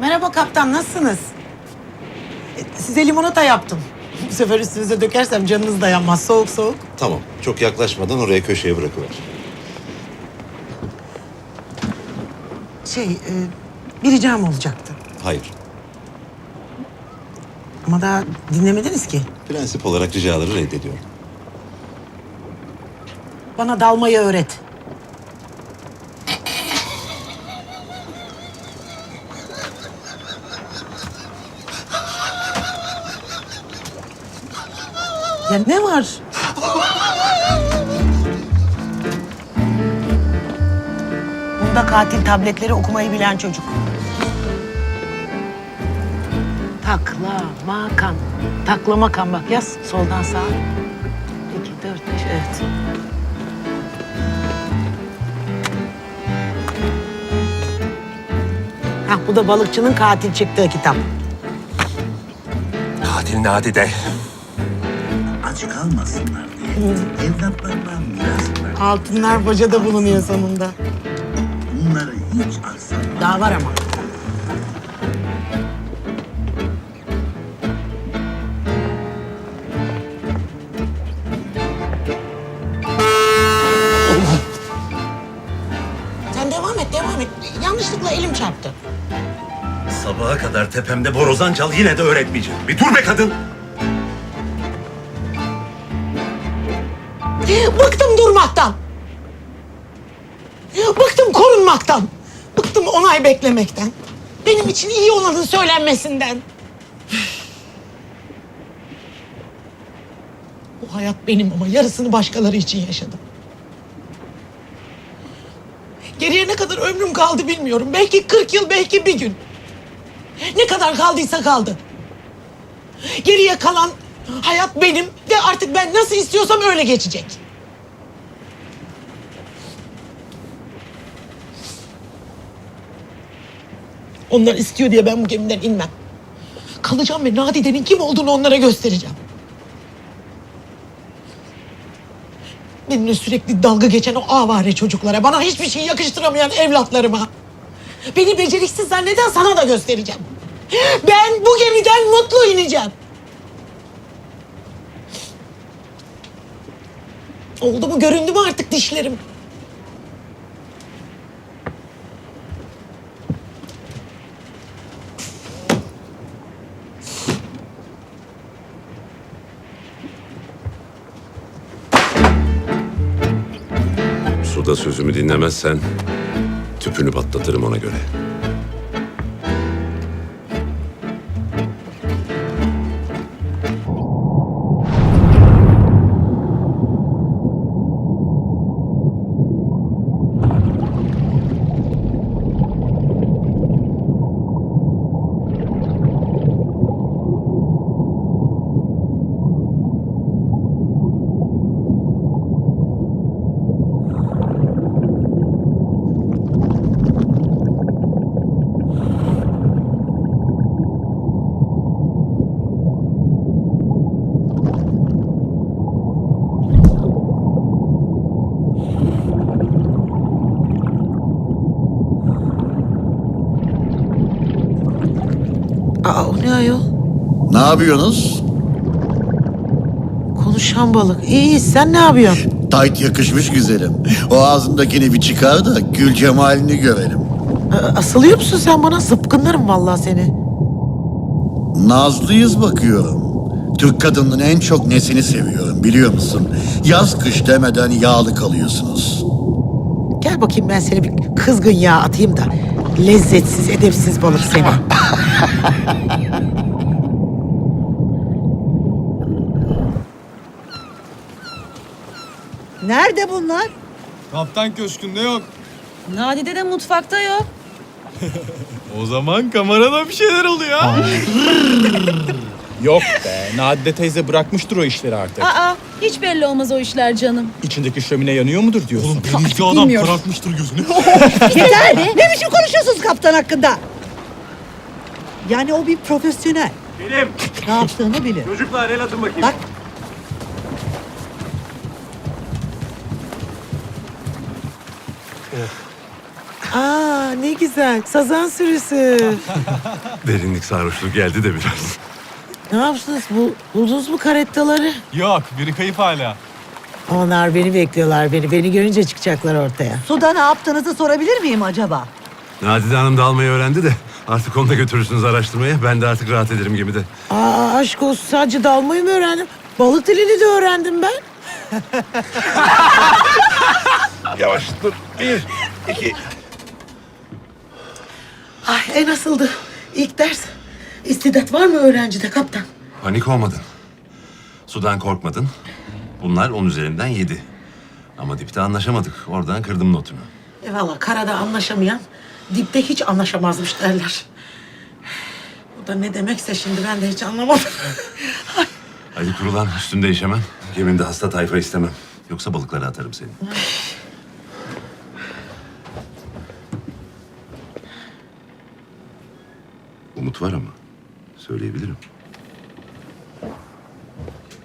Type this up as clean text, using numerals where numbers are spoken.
Merhaba kaptan, nasılsınız? Size limonata yaptım. Bu sefer üstünüze dökersem canınız dayanmaz. Soğuk soğuk. Tamam. Çok yaklaşmadan oraya köşeye bırakıver. Bir ricam olacaktı. Hayır. Ama daha dinlemediniz ki. Prensip olarak ricaları reddediyorum. Bana dalmayı öğret. Ya ne var? Bunda katil tabletleri okumayı bilen çocuk. Taklamakan. Taklamakan bak yaz soldan sağa. 2, 4, 5 evet. Bu da balıkçının katil çıktığı kitap. Katil Nadide. Aç kalmasınlar diye evlatlarından miras ver. Altınlar bacada bulunuyor sonunda. Bunları hiç aksatma. Daha var ama. Sen devam et, devam et. Yanlışlıkla elim çarptı. Sabaha kadar tepemde borazan çal yine de öğretmeyeceğim. Bir dur be kadın. Bıktım durmaktan. Bıktım korunmaktan. Bıktım onay beklemekten. Benim için iyi olanın söylenmesinden. Bu hayat benim ama yarısını başkaları için yaşadım. Geriye ne kadar ömrüm kaldı bilmiyorum. Belki 40 yıl, belki bir gün. Ne kadar kaldıysa kaldı. Geriye kalan hayat benim ve artık ben nasıl istiyorsam öyle geçecek. Onlar istiyor diye ben bu gemiden inmem. Kalacağım ve Nadide'nin kim olduğunu onlara göstereceğim. Benimle sürekli dalga geçen o avare çocuklara, bana hiçbir şey yakıştıramayan evlatlarıma, beni beceriksiz zanneden sana da göstereceğim. Ben bu gemiden mutlu ineceğim. Oldu mu, göründü mü artık dişlerim? Suda sözümü dinlemezsen tüpünü patlatırım ona göre. O ne ayol? Ne yapıyorsunuz? Konuşan balık. İyi, sen ne yapıyorsun? Tayt yakışmış güzelim. O ağzındakini bir çıkar da gül cemalini görelim. Asılıyor musun sen bana? Zıpkınlarım vallahi seni. Nazlıyız bakıyorum. Türk kadının en çok nesini seviyorum biliyor musun? Yaz kış demeden yağlı kalıyorsunuz. Gel bakayım ben seni bir kızgın yağ atayım da. Lezzetsiz, edepsiz balık seni. Nerede bunlar? Kaptan köşkünde yok. Nadide de mutfakta yok. O zaman kamerada bir şeyler oluyor ha. Yok be. Nadide teyze bırakmıştır o işleri artık. Aa, hiç belli olmaz o işler canım. İçindeki şömine yanıyor mudur diyorsun? Oğlum denizci adam bilmiyorum. karartmıştır gözünü. Yeter! Ne biçim konuşuyorsunuz kaptan hakkında? Yani o bir profesyonel. Benim. Ne yaptığını bilir. Çocuklar el atın bakayım. Bak. Aa ne güzel. Sazan sürüsü. Derinlik sarhoşluğu geldi de biraz. Ne yaptınız? Buldunuz mu karettaları? Yok, biri kayıp hala. Onlar beni bekliyorlar beni. Beni görünce çıkacaklar ortaya. Suda ne yaptığınızı sorabilir miyim acaba? Nadide Hanım da almayı öğrendi de artık onu da götürürsünüz araştırmaya. Ben de artık rahat ederim gemide. Aa aşk olsun sadece dalmayı mı öğrendim? Balık dilini de öğrendim ben. Yavaş dur. 1, 2. Ay nasıldı? İlk ders. İstidat var mı öğrencide kaptan? Panik olmadın. Sudan korkmadın. Bunlar 10 üzerinden 7. Ama dipte anlaşamadık. Oradan kırdım notunu. Valla karada anlaşamayan dipte hiç anlaşamazmış derler. Bu da ne demekse şimdi ben de hiç anlamadım. Hadi kurulan üstünde işemem. Gemimde hasta tayfa istemem. Yoksa balıklara atarım seni. Umut var ama söyleyebilirim.